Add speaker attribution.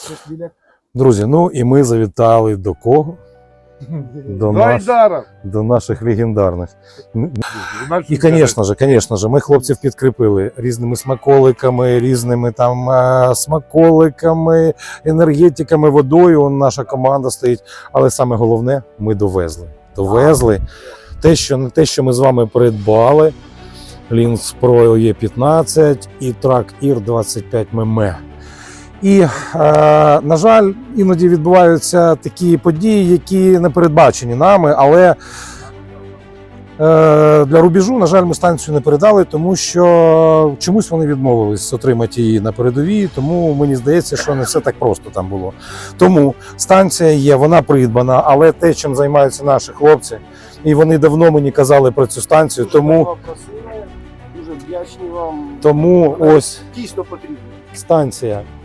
Speaker 1: Друзі, ну і ми завітали до кого? До наших легендарних. І, звісно ж, ми хлопців підкріпили різними смаколиками, різними там смаколиками, енергетиками, водою. Наша команда стоїть. Але саме головне, ми довезли те, що ми з вами придбали. Lynx Pro E15 і Track Ear 25 мм. І, на жаль, іноді відбуваються такі події, які не передбачені нами, але для рубежу, на жаль, ми станцію не передали, тому що чомусь вони відмовились отримати її на передовій, тому мені здається, що не все так просто там було. Тому станція є, вона придбана, але те, чим займаються наші хлопці, і вони давно мені казали про цю станцію, тому
Speaker 2: дуже вдячні вам.
Speaker 1: Тому ось
Speaker 2: дійсно потрібно.
Speaker 1: станція